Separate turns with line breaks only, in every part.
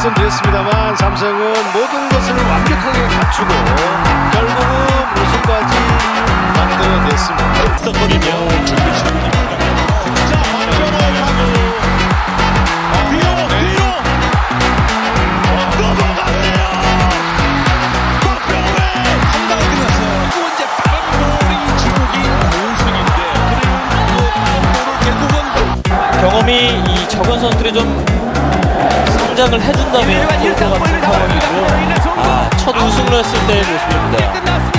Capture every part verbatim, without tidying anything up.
말씀드렸습니다만 삼성은 모든 것을 완벽하게 갖추고 결국은 우승까지 만들어냈습니다.
있었거든요. 준비 시간입니다. 자, 박병호 타구. 뒤로, 뒤로. 넘어갔네요. 박병호의 한 방에 끝났어요. 그리고 이제 빠른 볼이 중국이 우승인데 그리고 볼을 결국은
경험이 이 적은 선수들이 좀 성장을 해준다면 좋을 것 같은 상황이고요. 아, 첫 우승을 했을 때의 모습입니다.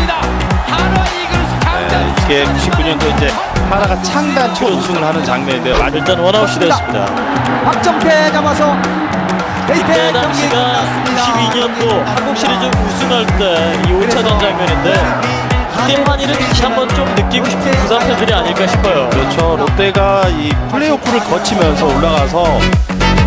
네, 이게 구십구 년도 이제 하나가 창단 첫 우승을 하는 장면인데요.
일단 원아웃이 됐습니다.
박정태 잡아서 베이스에
그때
경기
당시가
끝났습니다.
구십이 년도 한국 시리즈 우승할 때 이 오 차전 장면인데 이때 한일은 다시 한번 좀 느끼고 싶은 부산 팬들이 아닐까 싶어요.
그렇죠. 롯데가 이 플레이오프를 거치면서 올라가서